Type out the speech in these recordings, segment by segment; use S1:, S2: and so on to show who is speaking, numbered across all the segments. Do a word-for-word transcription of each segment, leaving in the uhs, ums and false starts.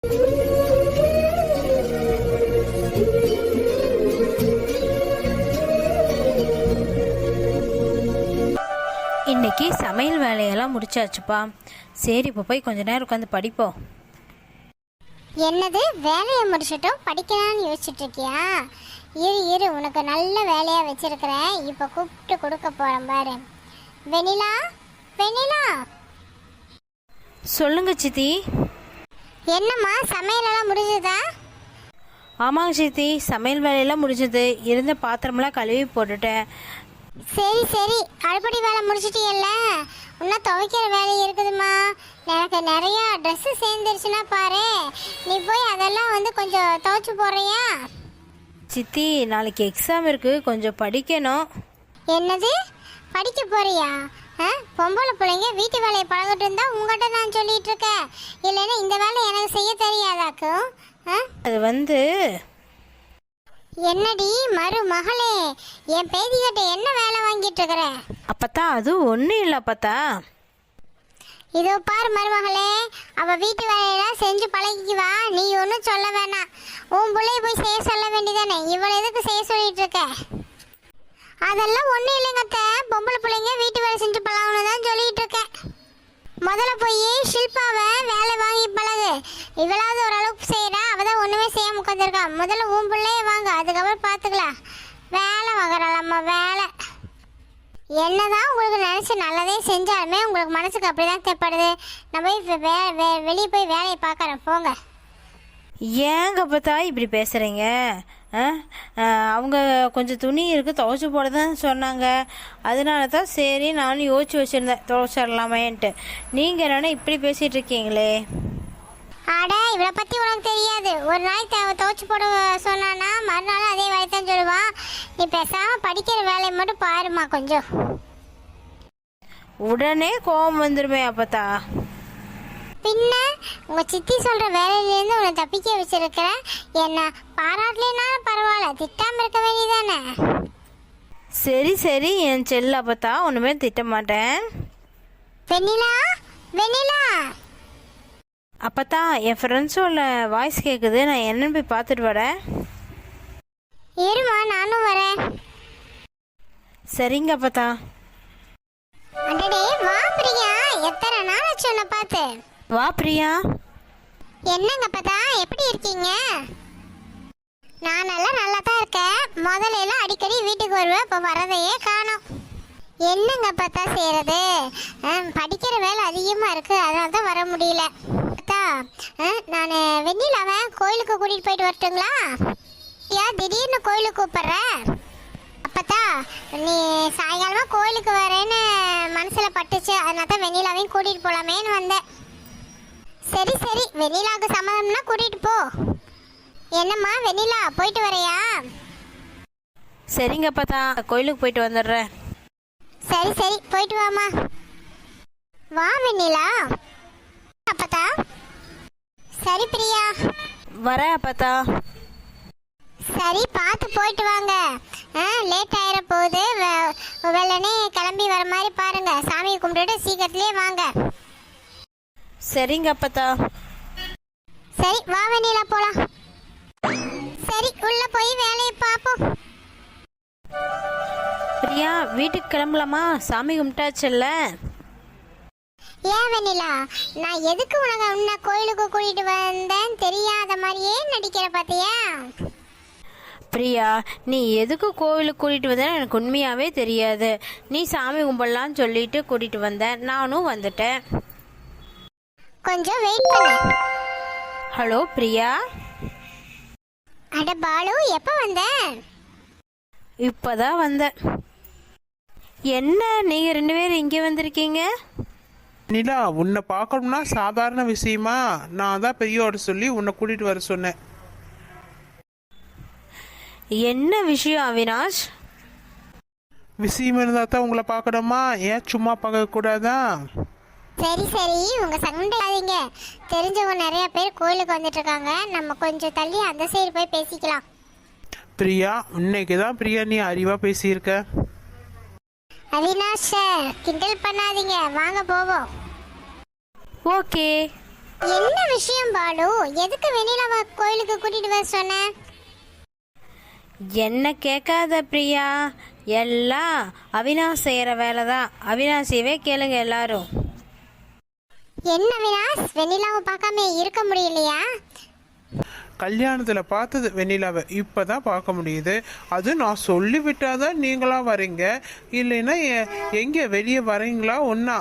S1: இன்னைக்கு சமையல் வேலையெல்லாம் முடிச்சாச்சுப்பா. சரி, இப்போ போய் கொஞ்ச நேரம் உட்காந்து படிப்போம்.
S2: என்னது வேலையை முடிச்சிட்டோம் படிக்கலான்னு யோசிச்சுட்டு இருக்கியா? இரு இரு உனக்கு நல்ல வேலையாக வச்சிருக்கிறேன். இப்போ கூப்பிட்டு கொடுக்க போகிறேன் பாரு. வெண்ணிலா, வெண்ணிலா.
S1: சொல்லுங்க சித்தி.
S2: என்னம்மா சமையலெல்லாம் முடிஞ்சுதா?
S1: ஆமாங்க சித்தி, சமையல் வேலையெல்லாம் முடிஞ்சது. இருந்த பாத்திரமெல்லாம் கழுவி போட்டுட்டேன்.
S2: சரி சரி, அடுப்படி வேலை முடிச்சிட்டியல்ல, இன்னும் துவைக்கிற வேலை இருக்குதுமா. எனக்கு நிறைய ட்ரெஸ்ஸு சேர்ந்துருச்சுன்னா பாரு, நீ போய் அதெல்லாம் வந்து கொஞ்சம் துவைச்சு போடுறியா?
S1: சித்தி, நாளைக்கு எக்ஸாம் இருக்கு, கொஞ்சம் படிக்கணும்.
S2: என்னது படிக்க போறியா? பொம்பளை பிள்ளைங்க வீட்டு வேலையை பழகிட்டு இருந்தா உங்கள்கிட்ட நான் சொல்லிட்டு இருக்கேன். இல்லைன்னா இந்த வேலை எனக்கு செய்ய தெரியாதாக்கும்.
S1: அது வந்து
S2: என்னடி மருமகளே, என் பேதிகிட்ட என்ன வேலை வாங்கிட்டு இருக்கிற?
S1: அப்பத்தா அது ஒன்றும் இல்லை அப்பத்தா.
S2: இதோ பாரு மருமகளே, அவ வீட்டு வேலையெல்லாம் செஞ்சு பழகிக்குவா, நீ ஒன்றும் சொல்ல வேணாம். உன் பிள்ளைய போய் செய்ய சொல்ல வேண்டியதானே, இவளை எதுக்கு செய்ய சொல்லிட்டு இருக்க? அதெல்லாம் ஒன்றும் இல்லைங்க அத்தை, பொம்பளை பிள்ளைங்க வீட்டு வேலை செஞ்சு பழகணும் தான் சொல்லிட்டு இருக்கேன். முதல்ல போய் ஷில்பாவை வேலை வாங்கி பழகு. இவளாவது ஓரளவுக்கு செய்கிறா, அவள் தான் ஒன்றுமே செய்ய உட்காந்துருக்கா. முதல்ல உன் பிள்ளைய வாங்க, அதுக்கப்புறம் பார்த்துக்கலாம். வேலை வாங்குறாளாம்மா வேலை. என்னதான் உங்களுக்கு நினச்சி நல்லதே செஞ்சாலுமே உங்களுக்கு மனசுக்கு அப்படி தான் தேப்படுது. நான் போய் வே வே வெளியே போய் வேலையை பார்க்குறேன், போங்க.
S1: ஏங்க அப்பத்தா இப்படி பேசுகிறீங்க? அவங்க கொஞ்சம் துணி இருக்குது, துவைச்சி போட தான் சொன்னாங்க. அதனால தான் சரி நானும் யோசிச்சு வச்சுருந்தேன் துவைச்சிடலாமேன்ட்டு. நீங்கள் என்னென்னா இப்படி பேசிகிட்டு இருக்கீங்களே.
S2: ஆடா, இவளை பற்றி உனக்கு தெரியாது. ஒரு நாளைக்கு துவைச்சி போட சொன்னான்னா மறுநாள் அதே வேலை தான் சொல்லுவான். நீ பேசாமல் படிக்கிற வேலையை மட்டும் பாருமா கொஞ்சம்.
S1: உடனே கோபம் வந்துடுமே அப்பத்தா.
S2: பின்ன உங்கள் சித்தி சொல்கிற வேலையிலேருந்து உன்னை தப்பிக்க வச்சிருக்கிறேன். என்ன பாராட்டலைனாலும் பரவாயில்ல, திட்டாமல் இருக்க வேண்டியதானே.
S1: சரி சரி என் செல்ல அப்பத்தா, ஒன்றுமே திட்ட மாட்டேன்.
S2: வெண்ணிலா, வெண்ணிலா.
S1: அப்பத்தா, என் ஃப்ரெண்ட்ஸோட வாய்ஸ் கேட்குது, நான் என்னன்னு போய் பார்த்துட்டு வரேன்.
S2: ஏறுமா, நானும் வரேன்.
S1: சரிங்க அப்பத்தா.
S2: அடடே வா பிரியா, எத்தனை நாள் ஆச்சு உன்னை பார்த்து.
S1: வா பிரியா.
S2: என்னங்க அப்பதா, எப்படி இருக்கீங்க? நான் நல்லா நல்லா தான் இருக்கேன். முதல்ல எல்லாம் அடிக்கடி வீட்டுக்கு வருவேன், இப்போ வரதையே காணோம். என்னங்க பார்த்தா செய்கிறது, படிக்கிற வேலை அதிகமாக இருக்குது, அதனால தான் வர முடியல. பார்த்தா நான் வெண்ணிலாவை கோயிலுக்கு கூட்டிகிட்டு போயிட்டு வரட்டுங்களா? ஏன் திடீர்னு கோயிலுக்கு கூப்பிட்ற? அப்பத்தா நீ சாயங்காலமாக கோயிலுக்கு வரேன்னு மனசில் பட்டுச்சு, அதனால தான் வெண்ணிலாவையும் கூட்டிகிட்டு போகலாமேன்னு வந்தேன். சரி சரி, வெண்ணிலாவுக்கு சம்மதம்னா கூட்டிகிட்டு போ. என்னம்மா வெண்ணிலா, போயிட்டு வரையா?
S1: சரிங்க அப்பத்தா, கோயிலுக்கு போயிட்டு வந்துடுறேன்.
S2: சரி சரி, போயிட்டு வாமா. வா வெண்ணிலா. அப்பத்தா. சரி பிரியா.
S1: வரேன் அப்பத்தா.
S2: சரி, பார்த்து போயிட்டு வாங்க. ஆ லேட் ஆயிர போகுது, வெள்ளனே கிளம்பி வர மாதிரி பாருங்க. சாமியை கும்பிட்டுட்டு சீக்கிரத்துலேயே வாங்க.
S1: சரிங்க அப்பத்தா.
S2: சரி வா வெண்ணிலா, போலாம். சரி, உள்ள போய் வேலையை பார்ப்போம்.
S1: பிரியா, வீட்டுக்கு கிளம்பலாமா? சாமி கும்பிட்டாச்சுல்ல.
S2: ஏன் வெண்ணிலா, நான் எதுக்கு உனக்கு உன்னை கோயிலுக்கு கூட்டிட்டு வந்தேன் தெரியாத மாதிரியே நடிக்கிற பார்த்தியா?
S1: பிரியா, நீ எதுக்கு கோவிலுக்கு கூட்டிகிட்டு வந்தேன்னு எனக்கு உண்மையாகவே தெரியாது. நீ சாமி கும்பிடலான்னு சொல்லிட்டு கூட்டிகிட்டு வந்தேன், நானும் வந்துட்டேன்.
S2: கொஞ்சம் வெயிட் பண்ணு.
S1: ஹலோ பிரியா.
S2: அட பாலு, எப்போ வந்த?
S1: இப்போதான் வந்தேன். என்ன நீங்கள் ரெண்டு பேரும் இங்கே வந்திருக்கீங்க?
S3: நிலா, உன்னை பார்க்கணும்னா சாதாரண விஷயமா? நான் தான் பெரியோட சொல்லி உன்னை கூட்டிகிட்டு வர சொன்னேன்.
S1: என்ன விஷயம் அவினாஷ்?
S3: விஷயம் இருந்தால் தான் உங்களை பார்க்கணுமா? ஏன் சும்மா பார்க்கக்கூடாதா?
S2: சரி சரி, உங்க சண்டையாதீங்க. தெரிஞ்சவங்க நிறைய பேர் கோயிலுக்கு வந்துட்டு இருக்காங்க, நம்ம கொஞ்சம் தள்ளி அந்த சைடு போய் பேசிக்கலாம்.
S3: பிரியா, இன்னைக்கு தான் பிரியா நீ அறிவா பேசியிருக்க.
S2: அவினாஷ் சார், கிண்டல் பண்ணாதீங்க, வாங்க போவோம்.
S1: ஓகே.
S2: என்ன விஷயம் பாலு? எதுக்கு வெண்ணிலாவை கோயிலுக்கு கூட்டிட்டு வர சொன்ன?
S1: என்ன கேட்காத பிரியா, எல்லாம் அவினாஷ் செய்கிற வேலை தான். அவினாஷியவே கேளுங்க எல்லாரும்.
S2: என்ன வினாஸ், வெண்ணிலாவை பார்க்காம இருக்க முடியலையா?
S3: கல்யாணத்தில் பார்த்தது வெண்ணிலாவை இப்போ தான் பார்க்க முடியுது. அது நான் சொல்லி விட்டாதான் நீங்களாம் வரீங்க, இல்லைன்னா எ- எங்கே வெளியே வரீங்களா ஒன்றா?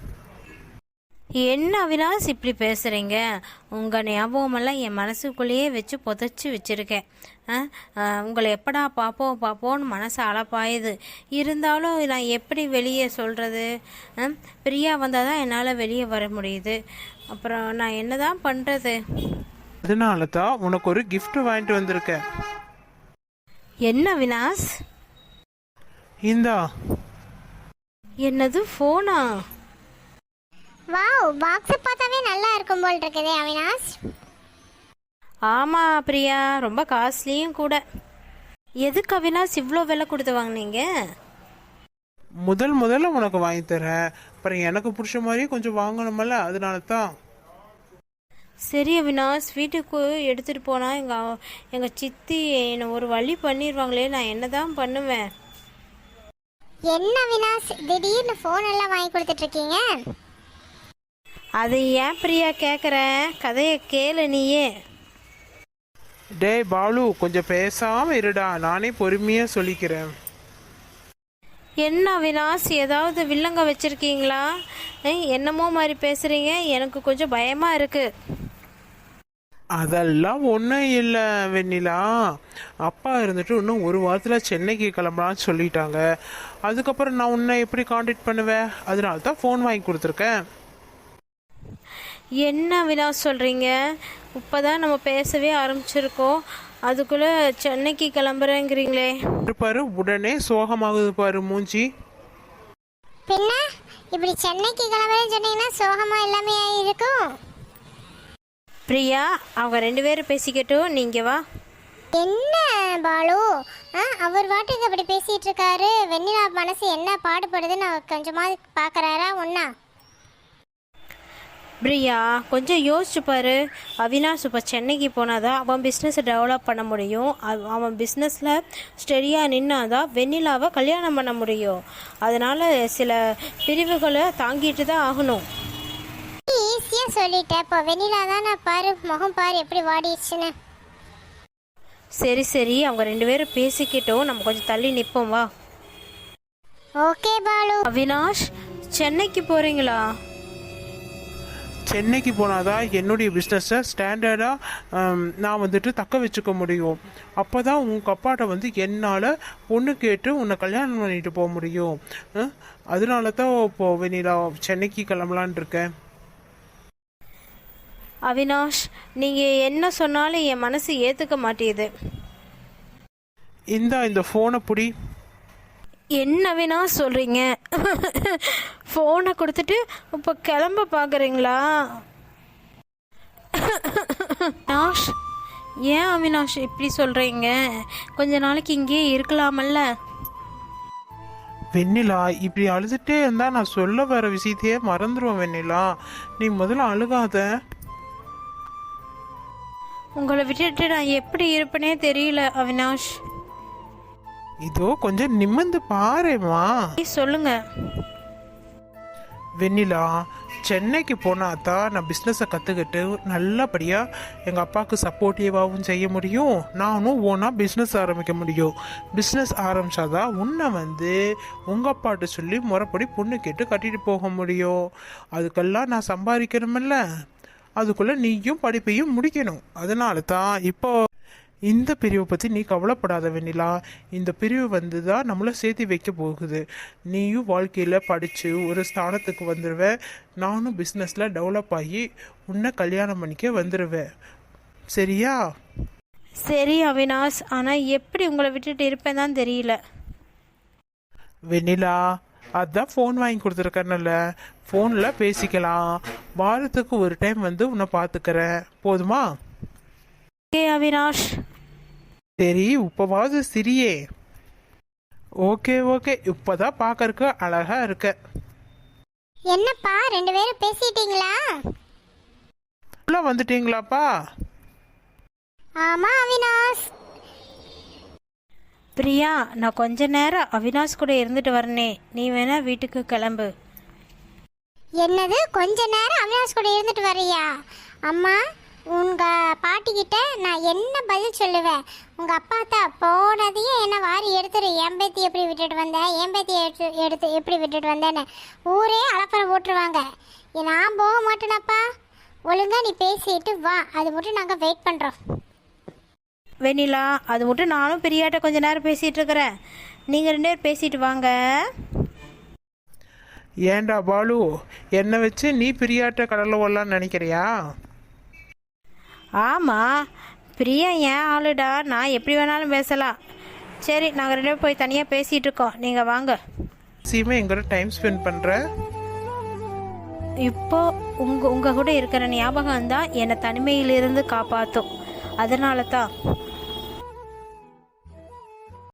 S1: என்ன அவினாஷ் இப்படி பேசுகிறீங்க? உங்கள் ஞாபகமெல்லாம் என் மனசுக்குள்ளேயே வச்சு புதைச்சி வச்சுருக்கேன். ஆ ஆ, உங்களை எப்படா பார்ப்போம் பார்ப்போன்னு மனசு அலப்பாயுது. இருந்தாலும் நான் எப்படி வெளியே சொல்கிறது? பிரியா வந்தால் தான் என்னால் வெளியே வர முடியுது. அப்புறம் நான் என்ன தான் பண்ணுறது?
S3: அதனால தான் உனக்கு ஒரு gift வாங்கிட்டு வந்திருக்கேன்.
S1: என்ன அவினாஷ்?
S3: இந்தா.
S1: என்னது ஃபோனா?
S2: வாவ், பாக்ஸ் பார்த்தாவே நல்லா இருக்கும் போல் இருக்குதே அவினாஷ்.
S1: ஆமாம் பிரியா, ரொம்ப காஸ்ட்லியும் கூட. எதுக்கு அவினாஷ் இவ்வளோ விலை கொடுத்து வாங்கினீங்க?
S3: முதல் முதல்ல உனக்கு வாங்கி தரேன், அப்புறம் எனக்கு பிடிச்ச மாதிரி கொஞ்சம் வாங்கணுமல்ல, அதனால தான்.
S1: சரி அவினாஷ், வீட்டுக்கு எடுத்துகிட்டு போனால் எங்கள் எங்கள் சித்தி என்னை ஒரு வழி பண்ணிடுவாங்களே, நான் என்ன தான் பண்ணுவேன்?
S2: என்ன அவினாஷ், திடீர்னு ஃபோன் எல்லாம் வாங்கி கொடுத்துட்டு இருக்கீங்க?
S1: அது ஏன் பிரியா கேட்குறேன், கதையை கேளு நீயே.
S3: டேய் பாலு, கொஞ்சம் பேசாம இருடா, நானே பொறுமையா சொல்லிக்கிறேன்.
S1: என்ன அவினாஷ், ஏதாவது வில்லங்க வச்சுருக்கீங்களா? என்னமோ மாதிரி பேசுகிறீங்க, எனக்கு கொஞ்சம் பயமாக இருக்குது.
S3: அதெல்லாம் ஒன்றும் இல்லை வெண்ணிலா. அப்பா இருந்துட்டு இன்னும் ஒரு வாரத்தில் சென்னைக்கு கிளம்பலான்னு சொல்லிட்டாங்க. அதுக்கப்புறம் நான் உன்னை எப்படி காண்டாக்ட் பண்ணுவேன்? அதனால தான் ஃபோன் வாங்கி கொடுத்துருக்கேன்.
S1: என்ன அவினாஷ் சொல்கிறீங்க? இப்போ தான் நம்ம பேசவே ஆரம்பிச்சிருக்கோம், அதுக்குள்ளே சென்னைக்கு கிளம்புறேங்கிறீங்களே.
S3: பாரு, உடனே சோகமாகுது பாரு மூஞ்சி.
S2: பின்ன இப்படி சென்னைக்கு கிளம்புறேன்னு சொன்னீங்கன்னா சோகமா எல்லாமே இருக்கும்.
S1: பிரியா, அவங்க ரெண்டு பேரும் பேசிக்கட்டும், நீங்கள் வா.
S2: என்ன பாலு, ஆ, அவர் வாட்டுக்கு அப்படி பேசிட்டு இருக்காரு. வெண்ணிலா மனசு என்ன பாடுபடுதுன்னு அவர் கொஞ்சமா பாக்குறாரா ஒன்னா?
S1: பிரியா, கொஞ்சம் யோசிச்சு பாரு. அவினாஷ் இப்போ சென்னைக்கு போனாதான் அவன் பிஸ்னஸை டெவலப் பண்ண முடியும். அவ- அவன் பிஸ்னஸில் ஸ்டெடியாக நின்னாதான் வெண்ணிலாவை கல்யாணம் பண்ண முடியும். அதனால் சில பிரிவுகளை தாங்கிட்டு தான் ஆகணும்.
S2: ஈஸியா சொல்லிட்டேன். இப்போ வெண்ணிலா தானே பாரு, முகம் பாரு எப்படி வாடிடுச்சுன்னு.
S1: சரி சரி, அவங்க ரெண்டு பேரும் பேசிக்கிட்டோம், நம்ம கொஞ்சம் தள்ளி நிற்போம் வா.
S2: ஓகே பாலு.
S1: அவினாஷ், சென்னைக்கு போகிறீங்களா?
S3: சென்னைக்கு போனாதான் என்னுடைய பிஸ்னஸை ஸ்டாண்டர்டாக நான் வந்துட்டு தக்க வச்சுக்க முடியும். அப்போ தான் உங்கள் அப்பாட்ட வந்து என்னால் பொண்ணு கேட்டு உன்னை கல்யாணம் பண்ணிட்டு போக முடியும். அஹ், அதனால தான் இப்போ வெண்ணிலா சென்னைக்கு கிளம்பலான் இருக்கேன்.
S1: அவினாஷ், நீங்கள் என்ன சொன்னாலும் என் மனசு ஏற்றுக்க மாட்டேது.
S3: இந்தா, இந்த ஃபோனை பிடி.
S1: என்ன அவினாஷ் சொல்கிறீங்க? ஃபோனை கொடுத்துட்டு இப்போ கிளம்ப பார்க்குறீங்களா? அவினாஷ், ஏன் அவினாஷ் இப்படி சொல்கிறீங்க? கொஞ்ச நாளைக்கு இங்கேயே இருக்கலாமல்ல?
S3: வெண்ணிலா, இப்படி அழுதுகிட்டே இருந்தால் நான் சொல்ல வர விஷயத்தையே மறந்துடுவேன் வெண்ணிலா. நீ முதல்ல அழுகாத.
S1: உங்களை விட்டுட்டு நான் எப்படி இருப்பேனே தெரியல அவினாஷ்.
S3: இதோ கொஞ்சம் நிமிர்ந்து பாருமா.
S1: please சொல்லுங்க.
S3: வெண்ணிலா, சென்னைக்கு போனால் தான் நான் பிஸ்னஸை கற்றுக்கிட்டு நல்லபடியாக எங்கள் அப்பாவுக்கு சப்போர்ட்டிவாகவும் செய்ய முடியும். நானும் ஓனாக பிஸ்னஸ் ஆரம்பிக்க முடியும். பிஸ்னஸ் ஆரம்பித்தாதான் உன்னை வந்து உங்கள் அப்பாட்ட சொல்லி முறைப்படி பொண்ணு கேட்டு கட்டிட்டு போக முடியும். அதுக்கெல்லாம் நான் சம்பாதிக்கணுமில்ல, அதுக்குள்ளே நீயும் படிப்பையும் முடிக்கணும். அதனால தான் இப்போ இந்த பிரிவை பற்றி நீ கவலைப்படாத வெண்ணிலா. இந்த பிரிவு வந்து தான் நம்மளை சேர்த்து வைக்க போகுது. நீயும் வாழ்க்கையில் படித்து ஒரு ஸ்தானத்துக்கு வந்துடுவேன். நானும் பிஸ்னஸில் டெவலப் ஆகி உன்னை கல்யாணம் பண்ணிக்க வந்துடுவேன். சரியா?
S1: சரி அவினாஷ், ஆனால் எப்படி உங்களை விட்டுட்டு இருப்பேன் தான் தெரியல.
S3: வெண்ணிலா, அதான் ஃபோன் வாங்கி கொடுத்துருக்கேன்ல, ஃபோனில் பேசிக்கலாம். வாரத்துக்கு ஒரு டைம் வந்து உன்னை பார்த்துக்கிறேன், போதுமா?
S1: ஓகே அவினாஷ்.
S3: சரி, இப்போவாவது சிரியே. ஓகே ஓகே, இப்போதான் பார்க்கறக்கு அழகா இருக்க.
S2: என்னப்பா ரெண்டு பேரும் பேசிட்டீங்களா?
S3: உள்ள வந்துட்டீங்களாப்பா?
S2: ஆமா அவினாஷ்.
S1: பிரியா, நான் கொஞ்ச நேரம் அவினாஷ் கூட இருந்துட்டு வரனே, நீ வேணா வீட்டுக்கு கிளம்பு.
S2: என்னது கொஞ்ச நேரம் அவினாஷ் கூட இருந்துட்டு வர்றியா? அம்மா, உங்க பாட்டிக்கிட்ட நான் என்ன பதில் சொல்லுவேன்? உங்க அப்பா தான் போனதையும் என்ன வாரி எடுத்துரு. என் பேத்தி எப்படி விட்டுட்டு வந்தேன், என் பேத்தி எடுத்து எடுத்து எப்படி விட்டுட்டு வந்தேன்னு ஊரே அலப்பறை போட்டுருவாங்க. நான் போக மாட்டேனப்பா. ஒழுங்கா நீ பேசிட்டு வா, அது மட்டும் நாங்கள் வெயிட் பண்ணுறோம்.
S1: வெண்ணிலா, அது மட்டும் நானும் பிரியாட்ட கொஞ்ச நேரம் பேசிகிட்டு இருக்கிறேன், நீங்கள் ரெண்டு பேர் பேசிட்டு வாங்க.
S3: ஏண்டா பாலு, என்னை வச்சு நீ பிரியாட்ட கடலில் வரலான்னு நினைக்கிறியா?
S1: ஆமாம், பிரியா ஏன் ஆளுடா, நான் எப்படி வேணாலும் பேசலாம். சரி, நாங்கள் ரெண்டு பேரும் போய் தனியாக பேசிகிட்டு இருக்கோம், நீங்கள் வாங்க.
S3: சீமை எங்கூட டைம் ஸ்பெண்ட் பண்ணுற?
S1: இப்போ உங்கள் உங்கள் கூட இருக்கிற ஞாபகம் தான் என்னை தனிமையிலிருந்து காப்பாற்றும். அதனால தான்